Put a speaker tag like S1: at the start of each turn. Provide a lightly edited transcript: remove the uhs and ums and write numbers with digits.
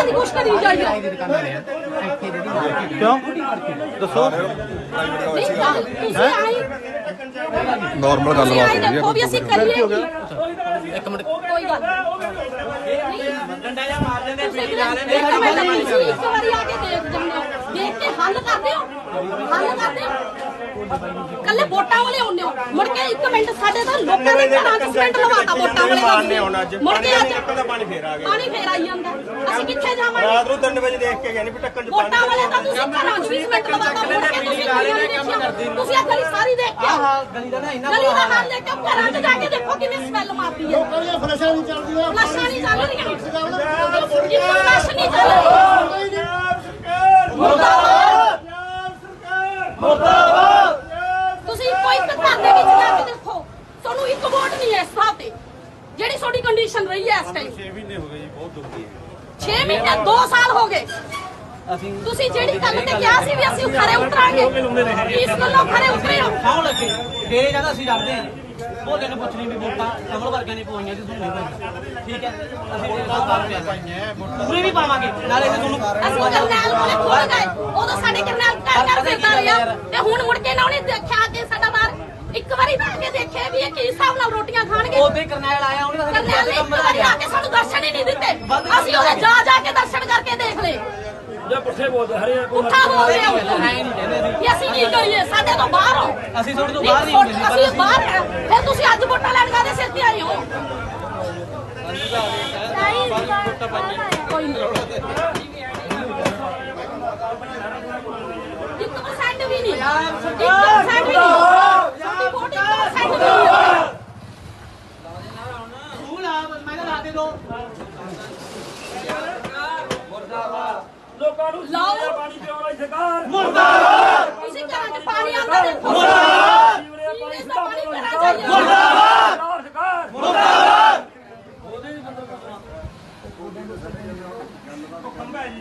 S1: ਦੀ ਕੁਛ ਕਰੀ ਜਾਈਏ
S2: क्यों दसो
S3: नॉर्मल गलबात हो रही है
S1: भी ਅਸੀਂ ਕਰੀਏ
S2: एक मिनट
S1: ਕੋਈ ਗੱਲ
S2: डंडा जा मार देंगे पीड़ी ला
S1: ਇੱਕ ਵਾਰੀ ਆ ਕੇ ਦੇਖ ਜੰਨੇ ਦੇਖ ਕੇ ਹੱਲ ਕਰਦੇ ਹੋ ਕੱਲੇ ਵੋਟਾਂ ਵਾਲੇ ਆਉਂਦੇ ਹੋ ਮੁੜ ਕੇ 1 ਮਿੰਟ ਸਾਡੇ ਤਾਂ ਲੋਕਾਂ ਦੇ ਘਰਾਂ 'ਚ ਸਿਮੈਂਟ ਲਵਾਤਾ ਵੋਟਾਂ ਵਾਲੇ ਦਾ ਮੁੜ ਕੇ ਅੱਜ ਪਾਣੀ ਫੇਰ ਆਈ ਜਾਂਦਾ ਅਸੀਂ ਕਿੱਥੇ ਜਾਵਾਂਗੇ
S4: ਰਾਤ ਨੂੰ 3 ਵਜੇ ਦੇਖ ਕੇ ਗਏ ਨੇ ਵੀ ਟੱਕਣ ਚ
S1: ਵੋਟਾਂ ਵਾਲੇ ਤਾਂ ਤੁਸੀਂ ਘਰਾਂ 'ਚ ਵੀ ਸਿਮੈਂਟ ਲਵਾਤਾ ਮੁੜ ਕੇ ਤੁਸੀਂ ਆ ਗਲੀ ਸਾਰੀ ਦੇਖ ਕੇ
S2: गली का ना इना
S1: ਗਲੀ ਦਾ ਹਾਲ ਦੇਖ ਕੇ ਘਰਾਂ 'ਚ ਜਾ ਕੇ ਦੇਖੋ ਕਿਵੇਂ ਸਮੈਲ ਮਾਰਦੀ ਹੈ ਫਲਸ਼ਾਂ ਨਹੀਂ ਚੱਲਦੀਆਂ ਫਲਸ਼ਾਂ ਨਹੀਂ ਚੱਲ ਰਹੀਆਂ ਫਲਸ਼ ਨਹੀਂ ਚੱਲ ਰਹੀ ਤੁਸੀਂ ਕੋਈ ਘਰ ਦੇ ਵਿੱਚ ਜਾ ਕੇ ਦੇਖੋ ਤੁਹਾਨੂੰ ਇੱਕ ਵੋਟ ਨਹੀਂ ਹੈ ਇਸ ਥਾਂ ਤੇ ਜਿਹੜੀ ਤੁਹਾਡੀ ਕੰਡੀਸ਼ਨ ਰਹੀ ਹੈ ਇਸ ਟਾਈਮ
S4: 6 ਮਹੀਨੇ ਹੋ ਗਏ ਜੀ ਬਹੁਤ ਦੁਖੀ ਹੈ
S1: 6 ਮਹੀਨੇ 2 ਸਾਲ ਹੋ ਗਏ ਤੁਸੀਂ ਜਿਹੜੀ ਗੱਲ ਤੇ ਕਿਹਾ ਸੀ ਵੀ ਅਸੀਂ ਖਰੇ ਉਤਰਾਂਗੇ ਇਸ ਗੱਲੋਂ ਖਰੇ ਉਤਰੇ ਹਾਂ
S2: ਖਾਉ ਲੱਗੇ ਫੇਰ ਜਦ ਅਸੀਂ ਡਰਦੇ ਹਾਂ ਉਹ ਦਿਨ ਪੁੱਛਣੀ ਵੀ ਵੋਟਾਂ ਕਮਲ ਵਰਗਿਆਂ ਨੇ ਪਵਾਈਆਂ ਸੀ ਤੁਹਾਨੂੰ ਨਹੀਂ ਪਾਈਆਂ ਠੀਕ ਹੈ ਅਸੀਂ ਪੂਰੇ ਵੀ ਪਾਵਾਂਗੇ ਨਾਲੇ ਤੁਹਾਨੂੰ
S1: ਅਸੀਂ ਕਰਨੈਲ ਕੋਲੇ ਖੋਲ ਗਏ ਉਦੋਂ ਸਾਡੇ ਕਰਨੈਲ ਘਰ ਫਿਰਦਾ ਰਿਹਾ ਤੇ ਹੁਣ ਮੁੜ ਕੇ ਨਾ ਉਹਨੇ ਦੇਖਿਆ ਕਿ ਸਾਡਾ ਬਾਹਰ ਇੱਕ ਵਾਰੀ ਤਾਂ ਆ ਕੇ ਦੇਖਿਆ ਵੀ ਇਹ ਕੀ ਹਿਸਾਬ ਨਾਲ ਰੋਟੀਆਂ ਖਾਣਗੇ
S2: ਉਹਦੇ ਕਰਨੈਲ ਆਇਆ ਉਹਨੇ
S1: ਕਰਨੈਲ ਨੇ ਇੱਕ ਵਾਰੀ ਆ ਕੇ ਸਾਨੂੰ ਦਰਸ਼ਨ ਹੀ ਨਹੀਂ ਦਿੱਤੇ ਅਸੀਂ ਉਹਦੇ ਜਾ ਕੇ ਦਰਸ਼ਨ ਕਰਕੇ ਦੇਖ ਲਏ
S4: ਜਾਂ ਪੁੱਠੇ ਬੋਲਦੇ ਹਰੇ
S1: ਪੁੱਠਾ ਬੋਲਦੇ ਹੋ ਵੀ ਅਸੀਂ ਕੀ ਕਰੀਏ ਸਾਡੇ ਤੋਂ ਬਾਹਰ ਹੋ
S2: ਅਸੀਂ ਤੁਹਾਡੇ ਤੋਂ ਬਾਹਰ ਨਹੀਂ ਹੁੰਦੇ ਸੀ
S1: ਅਸੀਂ ਬਾਹਰ ਆ ਫਿਰ ਤੁਸੀਂ ਅੱਜ ਵੋਟਾਂ ਲੈਣ ਕਾਹਦੇ ਸਿਰ ਤੇ ਆਏ ਹੋ ਕੋਈ ਨਹੀਂ 1% ਵੀ ਨਹੀਂ 1% ਵੀ ਨਹੀਂ ਸਾਡੀ ਵੋਟ 1% ਵੀ ਨਹੀਂ
S2: ਤੂੰ ਲਾ ਮੈਂ ਤਾਂ ਲਾ ਦੇ ਦੋ
S4: ਲੋਕਾਂ ਨੂੰ
S1: ਲਾਓ
S4: ਪਾਣੀ ਪਿਆਉਣ ਵਾਲੀ ਸਰਕਾਰ